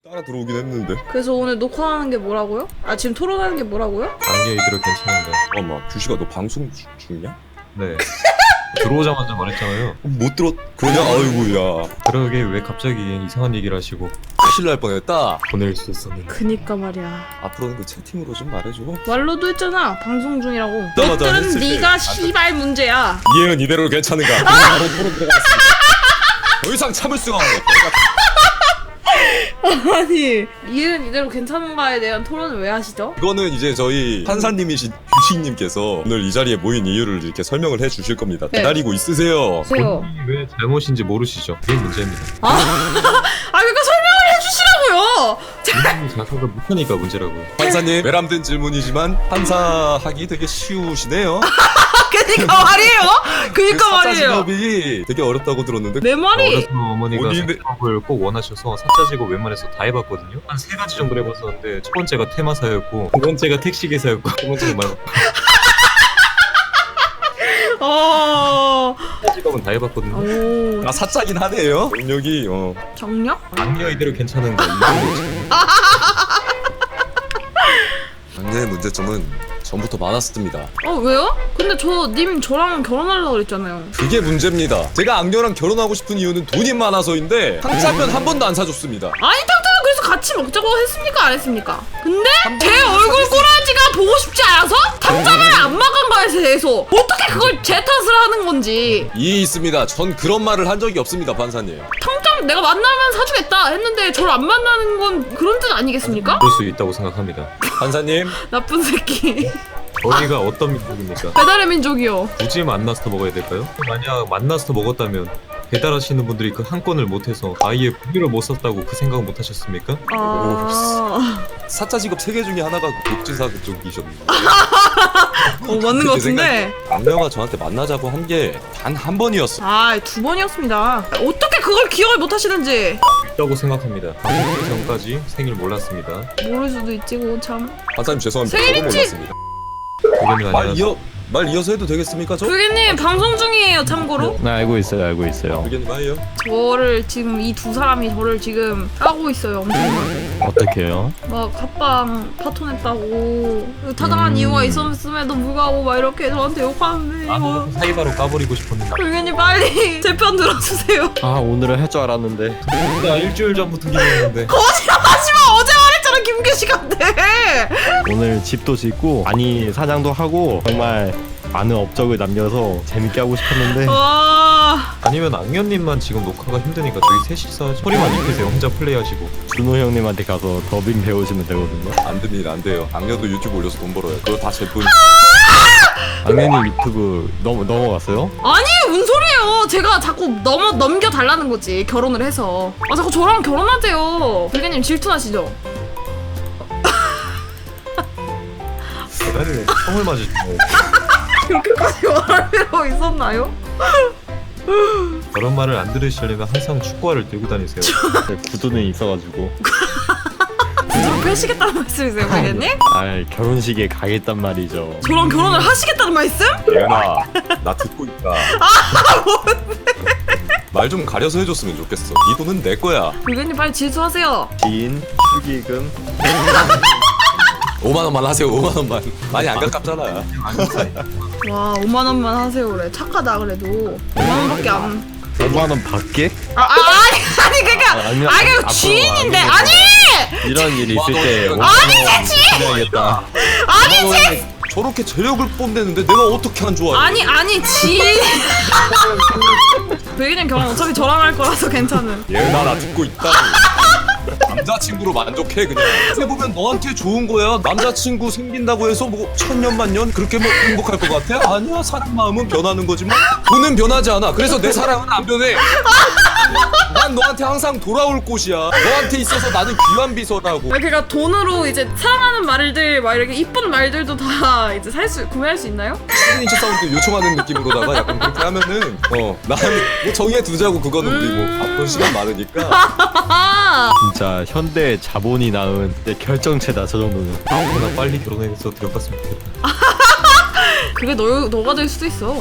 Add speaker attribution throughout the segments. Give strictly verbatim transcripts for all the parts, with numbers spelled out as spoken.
Speaker 1: 따라 들어오긴 했는데.
Speaker 2: 그래서 오늘 녹화하는 게 뭐라고요? 아 지금 토론하는 게 뭐라고요?
Speaker 3: 안개 이대로 괜찮은데.
Speaker 1: 잠깐만, 규식아 너 방송 주, 중이냐?
Speaker 3: 네. 들어오자마자 말했잖아요.
Speaker 1: 못 들었... 그러냐? 아이고야.
Speaker 3: 그러게 왜 갑자기 이상한 얘기를 하시고
Speaker 1: 큰일 날 뻔했다.
Speaker 3: 보낼 수 있었는데.
Speaker 2: 그니까 말이야.
Speaker 1: 앞으로는 그 채팅으로 좀 말해줘.
Speaker 2: 말로도 했잖아. 방송 중이라고.
Speaker 1: 맞아,
Speaker 2: 것들은
Speaker 1: 했을 때.
Speaker 2: 네가 시발 문제야.
Speaker 1: 이해는 이대로 괜찮은가? 바로 토론 들어가겠습니다. 더 이상 참을 수가 없네.
Speaker 2: 아니 이해는 이대로 괜찮은가에 대한 토론을 왜 하시죠?
Speaker 1: 이거는 이제 저희 판사님이신 규식님께서 오늘 이 자리에 모인 이유를 이렇게 설명을 해주실 겁니다.
Speaker 2: 네.
Speaker 1: 기다리고 있으세요.
Speaker 2: 보세요.
Speaker 3: 본인이 왜 잘못인지 모르시죠? 그게 문제입니다.
Speaker 2: 아, 아 그러니까 설명을 해주시라고요.
Speaker 3: 본인이 자석을 못하니까 문제라고요.
Speaker 1: 판사님, 외람된 질문이지만 판사하기 되게 쉬우시네요.
Speaker 2: 그니까 말이에요. 그니까 말이에요.
Speaker 1: 사자직업이 되게 어렵다고 들었는데
Speaker 2: 내 말이
Speaker 3: 어려서 어머니가
Speaker 1: 본인의-
Speaker 3: 사직업을 꼭 원하셔서 사자직업 웬만해서 다 해봤거든요. 한 세 가지 정도 해봤었는데 첫 번째가 테마사였고 두 번째가 택시기사였고 세 번째가 말고
Speaker 2: 어...
Speaker 3: 사직업은 다 해봤거든요.
Speaker 2: 오...
Speaker 1: 아 사짜긴 하네요. 능력이 어.
Speaker 2: 정력?
Speaker 3: 악녀 이대로 괜찮은데
Speaker 1: 강제의 문제점은 전부터 많았습니다.
Speaker 2: 어 왜요? 근데 저 님 저랑 결혼하려고 그랬잖아요.
Speaker 1: 그게 문제입니다. 제가 악녀랑 결혼하고 싶은 이유는 돈이 많아서인데 탕짜면 한 번도 안 사줬습니다.
Speaker 2: 아니 탕탕은 그래서 같이 먹자고 했습니까 안 했습니까? 근데
Speaker 1: 한
Speaker 2: 제
Speaker 1: 번도
Speaker 2: 얼굴
Speaker 1: 사줬-
Speaker 2: 꼬라지가 보고 싶지 않아서 탕짜를 안 먹은 거에 대해서 어떻게 그걸 제 탓을 하는 건지.
Speaker 1: 이해 있습니다. 전 그런 말을 한 적이 없습니다, 판사님.
Speaker 2: 탕탕 내가 만나면 사주겠다 했는데 저를 안 만나는 건 그런 뜻 아니겠습니까?
Speaker 3: 그럴 수 있다고 생각합니다.
Speaker 1: 판사님,
Speaker 2: 나쁜 새끼.
Speaker 3: 저희가 어떤 민족입니까?
Speaker 2: 배달의 민족이요.
Speaker 3: 굳이 만나서 먹어야 될까요? 만약 만나서 먹었다면 배달하시는 분들이 그 한 건을 못해서 아예 고기를 못 썼다고 그 생각은 못 하셨습니까?
Speaker 2: 아...
Speaker 1: 사짜 직업 세 개 중에 하나가 독진사 그쪽이셨는데.
Speaker 2: 어 맞는 것 같은데.
Speaker 1: 악녀가 저한테 만나자고 한 게 단 한 번이었어.
Speaker 2: 아 두 번이었습니다. 어떻게 그걸 기억을 못 하시는지.
Speaker 3: 있다고 생각합니다. 그 전까지 생일 몰랐습니다.
Speaker 2: 모를 수도 있지 고 참.
Speaker 1: 판사님 죄송합니다.
Speaker 2: 생일
Speaker 1: 저도
Speaker 2: 일찍-
Speaker 1: 몰랐습니다.
Speaker 3: 그게는
Speaker 1: 말
Speaker 3: 아니라서
Speaker 1: 이어 말 이어서 해도 되겠습니까, 저?
Speaker 2: 불개님 방송 중이에요 참고로.
Speaker 4: 네, 알고 있어요, 알고 있어요.
Speaker 1: 의견 봐요.
Speaker 2: 저를 지금 이 두 사람이 저를 지금 까고 있어요 엄청나게.
Speaker 4: 어떻게 해요?
Speaker 2: 막 합방 파토냈다고 타당한
Speaker 4: 음.
Speaker 2: 이유가 있었음에도 불구하고 막 이렇게 저한테 욕하는데
Speaker 3: 아,
Speaker 2: 뭐.
Speaker 3: 사이바로 까버리고 싶었는데
Speaker 2: 불개님 빨리 제 편 들어주세요.
Speaker 4: 아, 오늘은 할 줄 알았는데.
Speaker 3: 나 일주일 전부터 기대했는데
Speaker 2: 거짓말하지마. 어제 말했잖아 김규식한테.
Speaker 4: 오늘 집도 짓고, 아니, 사냥도 하고, 정말 많은 업적을 남겨서 재밌게 하고 싶었는데.
Speaker 2: 와.
Speaker 3: 아니면 악녀님만 지금 녹화가 힘드니까 저희 셋이서 소리만 입히세요. 혼자 플레이하시고.
Speaker 4: 준호 형님한테 가서 더빙 배우시면 되거든요.
Speaker 1: 안 됩니다, 안 돼요. 악녀도 유튜브 올려서 돈 벌어요. 그거 다 제 돈.
Speaker 4: 악녀님 유튜브 넘, 넘어갔어요?
Speaker 2: 아니 뭔 소리예요. 제가 자꾸 넘어 넘겨 달라는 거지 결혼을 해서. 아 자꾸 저랑 결혼하세요. 불개님 질투나시죠?
Speaker 3: 대가리에 총을 맞으시고
Speaker 2: 그렇게까지 말할 필요 있었나요?
Speaker 3: 그런 말을 안 들으시려면 항상 축구화를 들고 다니세요.
Speaker 4: 네, 구두는 있어가지고.
Speaker 2: 저랑 펴시겠다는 말씀이세요, 불개님?
Speaker 4: 아, 결혼식에 가겠단 말이죠.
Speaker 2: 저랑 결혼을 하시겠다는 말씀?
Speaker 1: 예은아, 나 듣고 있다. 말 좀 가려서 해줬으면 좋겠어. 이 돈은 내 거야.
Speaker 2: 불개님 빨리 질투하세요.
Speaker 4: 지인, 축의금.
Speaker 1: 오만 원만 하세요. 오만 원만. 많이 안 가깝잖아.
Speaker 2: 와 오만 원만 하세요 그래. 착하다 그래도. 오만 원밖에 안.
Speaker 4: 오만 원 받게?
Speaker 2: 아, 아 아니 아니 그니까
Speaker 4: 아, 아니요.
Speaker 2: 아니 그
Speaker 4: 앞으로
Speaker 2: 지인인데
Speaker 4: 안
Speaker 2: 아니
Speaker 4: 이런 일이 있을 때
Speaker 1: 아니,
Speaker 4: 오만 원 해야겠다.
Speaker 2: 아니 제
Speaker 1: 저렇게 재력을 뽐내는데 내가 어떻게 안 좋아해?
Speaker 2: 아니 아니 지인. 불개님 결혼 어차피 저랑 할 거라서 괜찮은.
Speaker 1: 예은아, 나 듣고 있다. 남자친구로 만족해 그냥. 해보면 너한테 좋은 거야. 남자친구 생긴다고 해서 뭐 천년만년 그렇게 뭐 행복할 것 같아? 아니야. 사람 마음은 변하는 거지만 돈은 변하지 않아. 그래서 내 사랑은 안 변해. 난 너한테 항상 돌아올 곳이야. 너한테 있어서 나는 귀한 비서라고.
Speaker 2: 아 그러니까 돈으로 이제 사랑하는 말들 막 이렇게 이쁜 말들도 다 이제 살 수 구매할 수 있나요?
Speaker 1: 시그니처 사운드 요청하는 느낌으로다가 약간 그렇게 하면은 어 나는 뭐 정해 두자고. 그거는 우리 뭐 바쁜 시간 많으니까.
Speaker 2: 아
Speaker 4: 진짜 현대 자본이 낳은 내 결정체다, 저 정도는.
Speaker 3: 아무거나 빨리 결혼해서 들어갔으면 좋겠다.
Speaker 2: 그게 너 너가 될 수도 있어.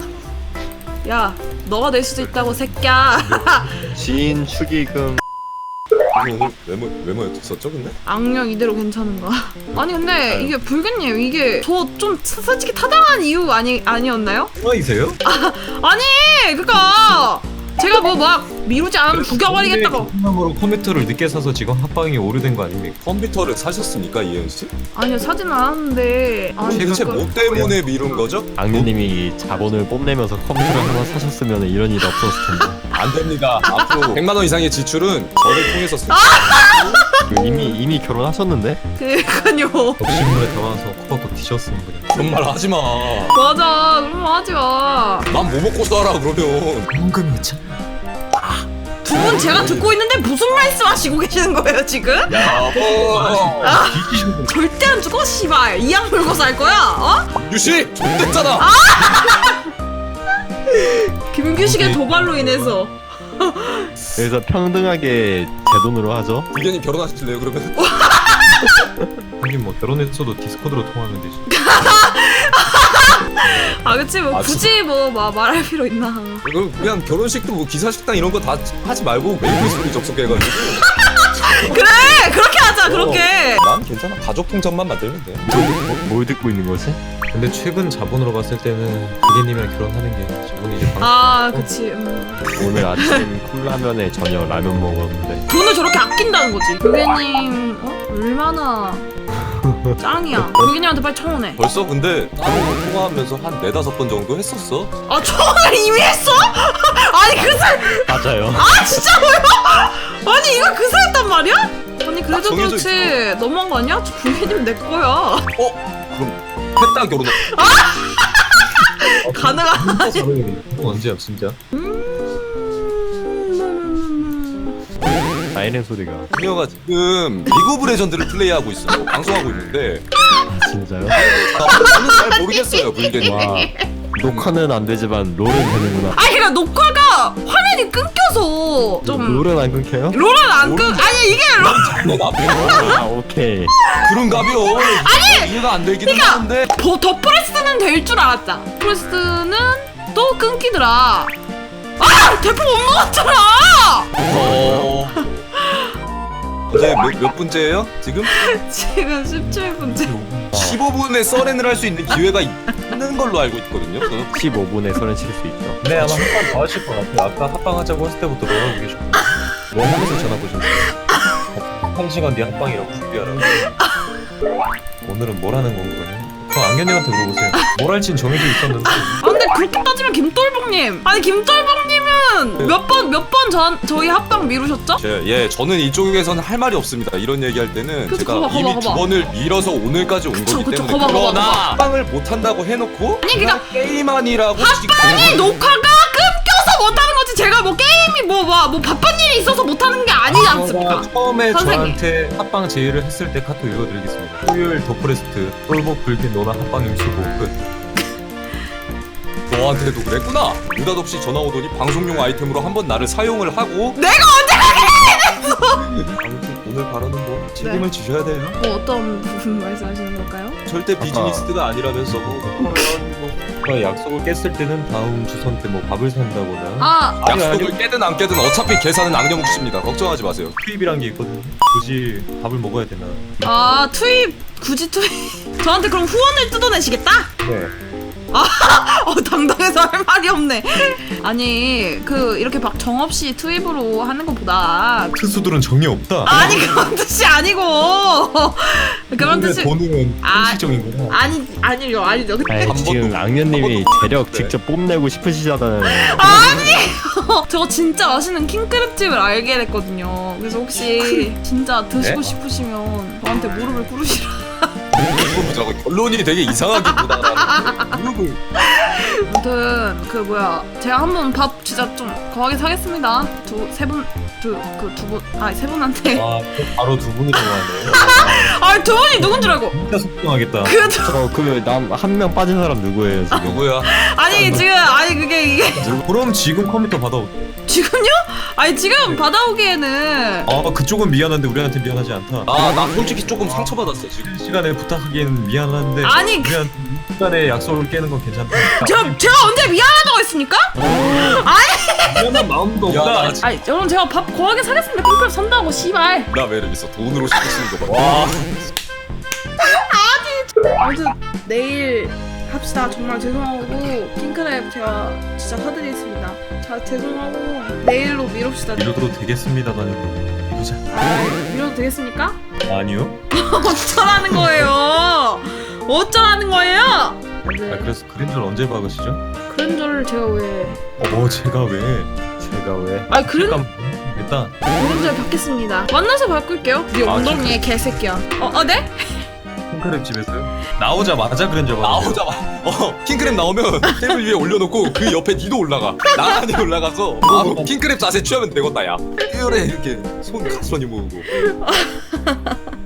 Speaker 2: 야 너가 될 수도 있다고 새끼야.
Speaker 4: 지인, 축의금.
Speaker 1: 오늘 외모 외모에 있었죠 근데?
Speaker 2: 악령 이대로 괜찮은가? 아니 근데 이게 불교님 이게 저 좀 솔직히 타당한 이유 아니 아니었나요?
Speaker 3: 뭐이세요?
Speaker 2: 아니 그니까 제가 뭐 막 미루지 않으면 죽여버리겠다고.
Speaker 3: 으로 컴퓨터를 늦게 사서 지금 합방이 오류된 거 아닙니까?
Speaker 1: 컴퓨터를 사셨습니까 이현 씨?
Speaker 2: 아니요 사진은 않았는데. 아니
Speaker 1: 대체
Speaker 2: 그러니까-
Speaker 1: 뭐 때문에 미룬 거죠?
Speaker 4: 악녀님이 자본을 뽐내면서 컴퓨터를 하나 사셨으면 이런 일이 없었을 텐데.
Speaker 1: 안 됩니다. 앞으로 백만 원 이상의 지출은 저를 통해서 쓰.
Speaker 4: 이미 이미 결혼하셨는데?
Speaker 2: 그니까요.
Speaker 3: 욕심물에 담아서 코박코 뒤졌으면 그냥.
Speaker 1: 그런 말 하지 마.
Speaker 2: 맞아 그런 거 하지 마.
Speaker 1: 난 뭐 먹고 살아 그러면.
Speaker 3: 현금이었잖아.
Speaker 2: 두 분 제가 듣고 있는데 무슨 말씀하시고 계시는 거예요 지금?
Speaker 1: 야, 뭐.
Speaker 2: 절대 안 죽어 씨발. 이악 물고 살 거야? 어?
Speaker 1: 유씨, 존댔잖아.
Speaker 2: 김규식의 도발로 인해서.
Speaker 4: 그래서 평등하게 제 돈으로 하죠.
Speaker 1: 불견이 결혼하실래요 그러면?
Speaker 3: 하긴 뭐 결혼했어도 디스코드로 통화하면 되지.
Speaker 2: 아 그치 뭐
Speaker 1: 아,
Speaker 2: 굳이 뭐 마, 말할 필요 있나.
Speaker 1: 그럼 그냥 결혼식도 뭐 기사식당 이런 거 다 하지 말고 메이플 스토리 접속해가지고.
Speaker 2: 그래 그렇게 하자 그렇게.
Speaker 1: 난 괜찮아. 가족 통장만 만들면 돼.
Speaker 4: 뭘 듣고 있는 거지?
Speaker 3: 근데 최근 자본으로 봤을 때는 기계님이랑 결혼하는 게 자본이 이제 방...
Speaker 2: 아 그치 음.
Speaker 4: 오늘 아침 컵라면에 저녁 라면 먹었는데
Speaker 2: 돈을 저렇게 아낀다는 거지. 불개님 어? 얼마나 짱이야. 불개님한테 빨리 청혼해.
Speaker 1: 벌써 근데 따로 통화하면서 한 네다섯 번 정도 했었어.
Speaker 2: 아 청혼을 이미 했어? 아니 그새
Speaker 4: 맞아요.
Speaker 2: 아 진짜로요? 아니 이거 그새 했단 말이야? 아니 그래도
Speaker 1: 정해져
Speaker 2: 그렇지 너무한 거 아니야? 저 불개님 내 거야.
Speaker 1: 어? 그럼 했다 결혼.
Speaker 2: 가능하지.
Speaker 3: 또 언제야 진짜?
Speaker 4: 사이렌 소리가.
Speaker 1: 그녀가 지금 리그 오브 레전드를 플레이하고 있어. 방송하고 있는데.
Speaker 4: 아, 진짜요?
Speaker 1: 저는 잘 모르겠어요 불견이.
Speaker 4: 와 녹화는 안 되지만 롤은 되는구나.
Speaker 2: 아니 그러니까 녹화가 화면이 끊겨서 좀
Speaker 4: 롤은 안 끊겨요?
Speaker 2: 롤은 안 끊. 아니 이게 롤
Speaker 1: 너 나쁘고.
Speaker 4: 아 오케이.
Speaker 1: 그런가벼. 아니 이해가 안 되기는
Speaker 2: 그러니까
Speaker 1: 하는데.
Speaker 2: 더, 더 프레스는 될 줄 알았다. 프레스는 또 끊기더라. 아 대포 못 먹었잖아.
Speaker 1: 어. 이제 몇, 몇 분째예요? 지금?
Speaker 2: 지금 십칠 분째.
Speaker 1: 십오 분에 서렌을 할 수 있는 기회가 있는 걸로 알고 있거든요. 저는.
Speaker 4: 십오 분에 서른 칠 수 있죠.
Speaker 3: 네 아마 합방 더 하실 것 같아요. 아까 합방하자고 했을 때부터 뭐라고 계셨고 뭐 하면서 전화 보셨어요? 한 시간 뒤에 합방이라고 준비하라고. 오늘은 뭘 하는 건가요? 그럼 안견님한테 물어보세요. 뭘 할진 정해져 있었는데.
Speaker 2: 아 근데 그렇게 따지면 김돌복님. 아니 김돌복님은 몇 번 몇 번 전 저희 합방 미루셨죠?
Speaker 1: 제, 예, 저는 이쪽에서는 할 말이 없습니다. 이런 얘기할 때는
Speaker 2: 그쵸,
Speaker 1: 제가
Speaker 2: 거봐, 거봐,
Speaker 1: 이미
Speaker 2: 거봐.
Speaker 1: 두 번을 밀어서 오늘까지 온
Speaker 2: 그쵸,
Speaker 1: 거기
Speaker 2: 그쵸,
Speaker 1: 때문에
Speaker 2: 거봐, 거봐,
Speaker 1: 그러나
Speaker 2: 거봐.
Speaker 1: 합방을 못 한다고 해놓고
Speaker 2: 아니, 그러니까
Speaker 1: 게임하니라고
Speaker 2: 합방이 녹화가 끊겨서 못하는 거지. 제가 뭐 게임이 뭐 뭐 뭐 바쁜 일이 있어서 못하는 게 아니지 않습니까?
Speaker 3: 처음에
Speaker 2: 선생님.
Speaker 3: 저한테 합방 제의를 했을 때 카톡 읽어드리겠습니다. 토요일 더프레스트 똘복 불긴 노나 합방 임수고 끝.
Speaker 1: 너한테도 그랬구나. 느닷없이 전화 오더니 방송용 아이템으로 한번 나를 사용을 하고
Speaker 2: 내가 언제
Speaker 1: 아무튼 오늘 발언은 뭐 책임을 지셔야 돼요.
Speaker 2: 뭐 어떤 부분 말씀하시는 걸까요?
Speaker 1: 절대 비즈니스가 아니라면서 뭐
Speaker 3: 그 약속을 깼을 때는 다음 주선 때 뭐 밥을 산다거나
Speaker 2: 아
Speaker 3: 아니,
Speaker 1: 약속을 깨든 안 깨든 어차피 계산은 악녀 몫입니다. 걱정하지 마세요.
Speaker 3: 투입이란 게 있거든요. 굳이 밥을 먹어야 되나?
Speaker 2: 아 투입 굳이 투입 저한테 그럼 후원을 뜯어내시겠다?
Speaker 3: 네.
Speaker 2: 어 당당해서 할 말이 없네. 아니 그 이렇게 막 정없이 투입으로 하는 것보다
Speaker 3: 특수들은 정이 없다.
Speaker 2: 아니 그런 뜻이 아니고 그런 뜻이
Speaker 3: 돈은
Speaker 2: 아.
Speaker 3: 현실적인 거다.
Speaker 2: 아니 아니요 아니죠.
Speaker 4: 아이,
Speaker 1: 한
Speaker 4: 지금
Speaker 1: 번도-
Speaker 4: 악녀님이
Speaker 1: 한 번도
Speaker 4: 재력
Speaker 1: 없는데.
Speaker 4: 직접 뽐내고 싶으시잖아요.
Speaker 2: 아니 저 진짜 맛있는 킹크랩집을 알게 됐거든요. 그래서 혹시 진짜 드시고
Speaker 3: 네?
Speaker 2: 싶으시면 저한테 무릎을 꿇으시라.
Speaker 1: 이거 보자고 결론이 되게 이상하게 보다가는 무릎을
Speaker 2: 아무튼 그 뭐야 제가 한번 밥 진짜 좀 거하게 사겠습니다. 두 세 분 두 그 두 분 아니 세 분한테
Speaker 3: 와, 또 바로 두 분이 통화하네요.
Speaker 2: 아니 두 분이 누군 줄 알고
Speaker 3: 진짜 속상하겠다.
Speaker 2: 그 두-
Speaker 4: 저그남 한 명 빠진 사람 누구예요 지금?
Speaker 1: 누구야?
Speaker 2: 아니 지금 아니 그게 이게
Speaker 3: 그럼 지금 컴퓨터 받아
Speaker 2: 지금요? 아니 지금 받아오기에는
Speaker 3: 아 그쪽은 미안한데 우리한테 미안하지 않다.
Speaker 1: 아 나 솔직히 조금 상처받았어 지금.
Speaker 3: 시간에 부탁하기에는 미안한데
Speaker 2: 아니, 그-
Speaker 3: 우리한테 시간에 약속을 깨는 건 괜찮다.
Speaker 2: 제가 제가 언제 미안하다고 했습니까?
Speaker 3: 미안한 마음도
Speaker 1: 야,
Speaker 3: 없다.
Speaker 1: 나
Speaker 2: 아니 여러분 제가 밥 거하게 사겠습니다. 핑크랩 산다고 씨발.
Speaker 1: 나 매력 있어. 돈으로 시키시는 거 봐. 와.
Speaker 2: 아무튼 내일 합시다. 정말 죄송하고 핑크랩 제가 진짜 사드리겠습니다. 자 죄송하고 내일로 미룹시다.
Speaker 3: 이러도 되겠습니다라는 이러자.
Speaker 2: 아, 미뤄도 되겠습니까?
Speaker 3: 아니요.
Speaker 2: 어쩌라는 거예요? 어쩌라는 거예요?
Speaker 3: 아
Speaker 2: 네.
Speaker 3: 그래서 그림자를 언제 박으시죠?
Speaker 2: 그랜저를 제가 왜?
Speaker 3: 어 제가 왜?
Speaker 4: 제가 왜?
Speaker 2: 아니 그랜
Speaker 3: 잠깐 일단
Speaker 2: 그랜저를 받겠습니다. 만나서 바꿀게요. 네
Speaker 3: 아,
Speaker 2: 엉덩이에 개새끼야. 어, 어 네?
Speaker 3: 핑크랩 집에서요? 나오자마자 그림자 박으세요.
Speaker 1: 나오자마자 어 킹크랩 나오면 테이블 위에 올려놓고 그 옆에 니도 올라가. 나란히 올라가서 바로 킹크랩 자세 취하면 되겠다 야. 이래 이렇게 손 가스러니 모으고.